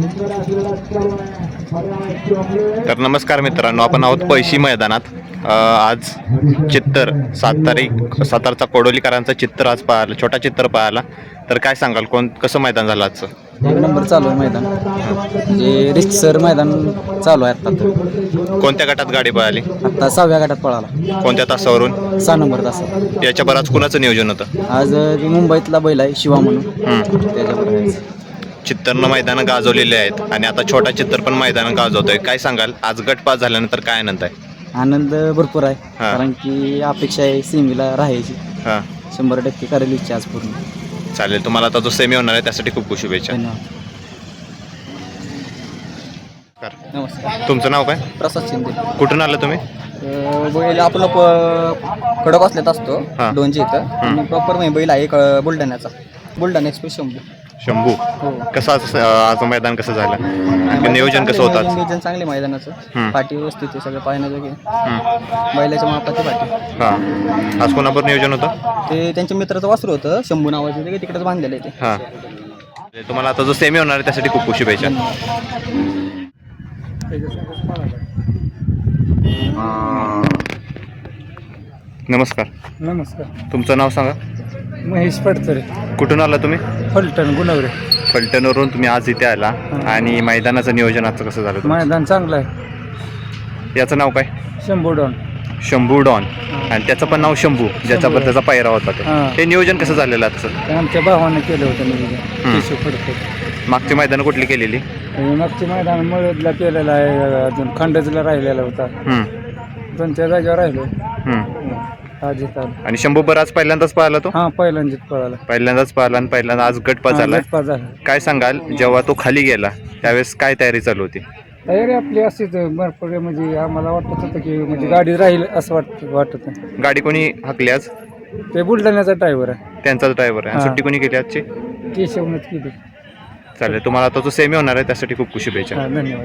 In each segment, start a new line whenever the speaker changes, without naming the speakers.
तर नमस्कार मित्रांनो, आपण आहोत पैशी मैदानात. आज चित्तर 7 तारचा कोडोलीकरांचा चित्तर आज पाहिला, छोटा चित्तर पाहिला. तर काय सांगाल, कसं मैदान झालं आजचं?
एक नंबर चालू आहे मैदान. म्हणजे रितसर मैदान चालू आहे आता.
कोणत्या गटात गाडी पळाली?
आता 6व्या गटात पळाला.
कोणत्या तासावरून?
6 नंबर तासावर.
याच्या बराच कुणाचं नियोजन होतं?
आज मुंबईतला बैल आहे शिवा म्हणून, त्याच्याबरोबर
चित्तरनं मैदानं गाजवलेले आहेत आणि आता छोटा चित्तर पण मैदानं गाजवतोय. काय सांगाल, आज गट पास झाल्यानंतर काय आनंद आहे?
आनंद भरपूर आहे, कारण की अपेक्षा आहे सेमीला राहायची. 100% करेल इच्छा आज पूर्ण.
चालेल, तुम्हाला आता जो सेमी होणार आहे त्यासाठी खूप खूप शुभेच्छा.
धन्यवाद. नमस्कार.
तुमचं नाव काय?
प्रसाद शिंदे.
कुठून आलं तुम्ही?
बैल आपलं कडक असल्यात असतो
हां.
2 इथं प्रॉपर म्हणजे बैल आहे बुलढाण्याचा, बुलढाणा एक्सप्रेस
शंभू. कसं आज मैदान कसं झालं? नियोजन कसं होतं?
नियोजन चांगले मैदानाचं. पाठी व्यवस्थित आहे, सगळं पाहण्याजोगे. बैलाच्या मापाची पाठी.
हां. आज कोणाबरोबर नियोजन होतं?
ते त्यांच्या मित्राचं वासरू होतं, शंभू नावाचं, ते तिकडेच बांधलेलं आहे ते.
हां. तुम्हाला आता जो सेमी होणार आहे त्यासाठी खूप खूप शुभेच्छा. नमस्कार.
नमस्कार.
तुमचं नाव सांगा.
महेश पडतरे.
कुठून आला तुम्ही?
फलटण गुणवरे.
फलटणवरून तुम्ही आज इथे आला आणि मैदानाचं नियोजन आजचं कसं झालं?
मैदान चांगलं आहे.
याचं नाव काय?
शंभू डॉन.
शंभू डॉन. आणि त्याचं पण नाव शंभू, ज्याच्याबद्दल त्याचा पायरा होता ते. हे नियोजन कसं झालेलं आजचं?
आमच्या भावानं केलं होतं नियोजन.
मागची मैदानं कुठली केलेली?
मागची मैदान मळदला केलेला आहे, अजून खंडजला राहिलेला होता. दोनच्या जागेवर राहिलो.
आणि शंभू बराच पहिल्यांदाच पाहिला तो?
हा, पहिल्यांदाच
पाहिला आणि पहिल्यांदा आज गट पास झाला. काय सांगाल, जेव्हा तो खाली गेला त्यावेळेस काय तयारी चालू होती?
तयारी आपली अशीच भरपूर, म्हणजे आम्हाला वाटत होतं की म्हणजे गाडी राहील असं वाटत.
गाडी कोणी हाकली आज?
ते बुलढाण्याचा ड्रायव्हर आहे.
त्यांचाच ड्रायव्हर आहे. सुट्टी कोणी केली आजची?
केशवनच केली.
चालेल, तुम्हाला आता जो सेमी होणार आहे त्यासाठी खूप खूप शुभेच्छा.
धन्यवाद.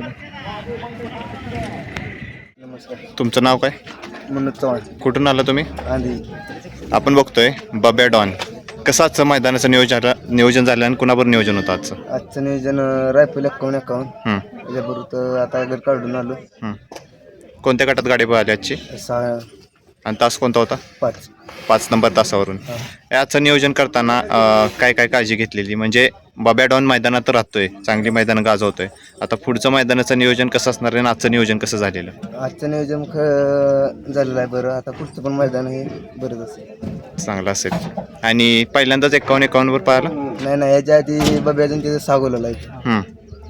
तुमचं नाव काय?
मनोज चव्हाण.
कुठून आला तुम्ही?
आधी
आपण बघतोय बब्या डॉन. कसं आजचं मैदानाचं नियोजन झालं आणि कुणाबरोबर नियोजन होतं आजचं?
आजचं नियोजन रायफल 51 त्याच्याबरोबर आता गट काढून आलो.
कोणत्या गटात गाडी पळाली आजची?
6
आणि तास कोणता होता?
5
नंबर तासावरून. याचं नियोजन करताना काय काय काळजी घेतलेली? म्हणजे बब्या डॉन मैदानात राहतोय, चांगली मैदानं गाजवतोय. आता पुढचं मैदानाचं नियोजन कसं असणार आहे आणि आजचं नियोजन कसं झालेलं?
आजचं नियोजन झालेलं आहे बरं. आता पुढचं पण मैदान हे बरंच असेल,
चांगलं असेल. आणि पहिल्यांदाच 51 वर पाहिला?
नाही, याच्या आधी बब्या अजून तिथे 6 गोलाला आहे.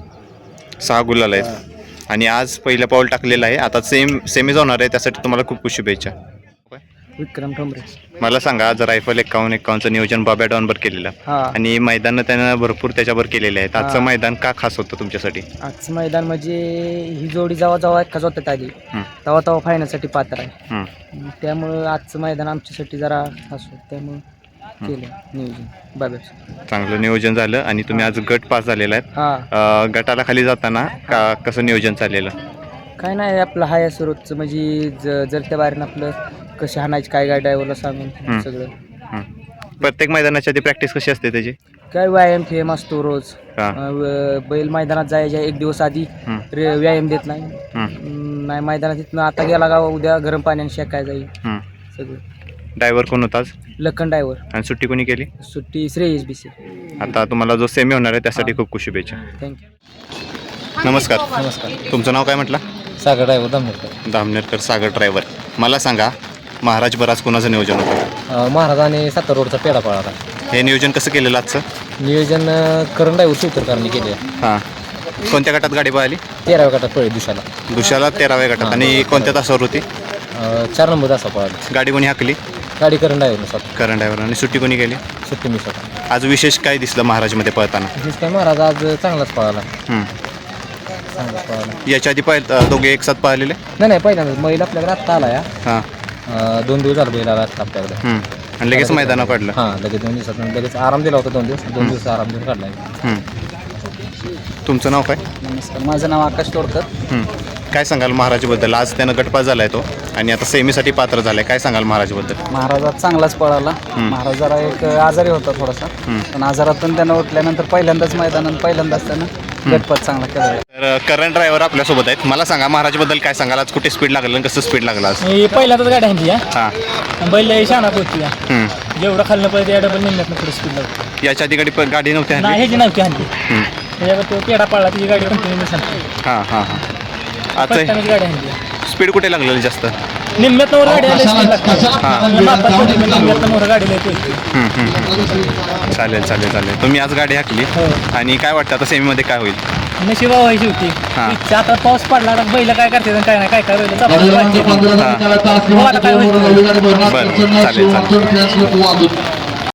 6 गुलाल आहेत आणि आज पहिलं पाऊल टाकलेलं आहे. आता सेमीज होणार आहे, त्यासाठी तुम्हाला खूप खूप शुभेच्छा.
विक्रम ठोंबरे.
मला सांगा, आज रायफल 51चं नियोजन बब्या डॉनवर केलेलं आणि मैदानं त्यानं भरपूर त्याच्यावर केलेले आहेत. आजचं मैदान का खास होतं तुमच्यासाठी?
आजचं मैदान म्हणजे ही जोडी जेव्हा एकाच होतात आली तेव्हा फायनलसाठी पात्र आहे. त्यामुळं आजचं मैदान आमच्यासाठी जरा खास होतं, त्यामुळं केलं नियोजन बाब्याचं.
चांगलं नियोजन झालं आणि तुम्ही आज गट पास झालेला आहे. गटाला खाली जाताना कसं नियोजन चाललेलं?
काय नाही, आपलं हाय सुरतचं, म्हणजे जर त्या बाहेरनं आपलं कशी हाणायची काय काय ड्रायव्हरला सांगून सगळं.
प्रत्येक मैदानाच्या आधी प्रॅक्टिस कशी असते त्याची?
काय व्यायाम असतो रोज. बैल मैदानात जायच्या 1 दिवस आधी व्यायाम देत नाही मैदानात. तिथनं आता गेला का उद्या गरम पाण्याने शेकाय जाईल सगळं.
ड्रायव्हर कोण होता आज?
लखन ड्रायव्हर.
आणि सुट्टी कोणी केली?
सुट्टी श्रेयस BC.
आता तुम्हाला जो सेमी होणार आहे त्यासाठी खूप खूप शुभेच्छा.
थँक्यू.
नमस्कार. तुमचं नाव काय म्हटलं?
सागर ड्रायव्हर
दामनेरकर. सागर ड्रायव्हर. मला सांगा, महाराज बराच कोणाचं नियोजन होतं?
महाराज आणि 7 रोडचा पेढा पळाला.
हे नियोजन कसं केलेलं आजचं?
नियोजन करण ड्रायव्हर शिवतरकरांनी केले.
कोणत्या गटात गाडी पळाली?
13व्या गटात पळली.
दुशाला 13व्या गटात. आणि कोणत्या तासावर होती?
4 नंबर तासा पळाली.
गाडी कोणी हाकली?
गाडी करण ड्रायव्हर. आणि
सुट्टी कोणी केली?
सुट्टी मी स्वतः.
आज विशेष काय दिसलं महाराजमध्ये पळताना?
काय महाराज आज चांगलाच पळाला.
याच्या आधी दोघे एक साथ पळालेले?
नाही, पहिल्यांदा बैल आपल्याकडे आत्ता आला या. 2 दिवस झाला बैल आला आत्ता आपल्याकडे.
आणि लगेच मैदानात पडलं?
लगेच 2 दिवसात लगेच आराम दिला होता. 2 दिवस आराम देऊन काढला.
तुमचं नाव काय?
नमस्कार, माझं नाव आकाश तोडकर.
काय सांगाल महाराजबद्दल? आज त्यानं गटपास झालाय तो आणि आता सेमीसाठी पात्र झालाय. काय सांगाल महाराजबद्दल?
महाराज चांगलाच पळाला. महाराज जरा एक आजारी होता थोडासा, पण आजारातून त्यानं उठल्यानंतर पहिल्यांदाच मैदानात पहिल्यांदाच त्यानं गटपात चांगला केला.
तर करंट ड्रायव्हर आपल्यासोबत आहेत. मला सांगा महाराजबद्दल काय सांगाल, आज कुठे स्पीड लागलं आणि कसं स्पीड लागलं आज?
पहिल्यांदाच गाडी आणली
हां.
बैल शाना पोहोचली
हम्म.
जेवढं खाल्लं पाहिजे या डबल निम्म्यात पुढे स्पीड लागतो.
याच्या आधी गाडी नव्हती हल्ली?
ह्याची नव्हती आणली.
हम्म.
त्याच्यावर तो पेढा पाळला तिची गाडी कंटिन्यू सांगते.
हां हां हां.
फर्स्ट
आज
टाइमच गाडी आणली.
स्पीड कुठे लागलेलं जास्त?
निम्म्यात मोर गाडी आली
हां.
निम्म्यात मोर गाडी येते.
चालेल चालेल चालेल. तुम्ही आज गाडी हाकली आणि काय वाटतं आता सेमीमध्ये काय होईल?
नशिबा व्हायची होती.
हां.
इच्छा आता पाऊस पडला आता बैल काय करते आणि काय नाही काय काय बैल
बरं चालेल चालेल.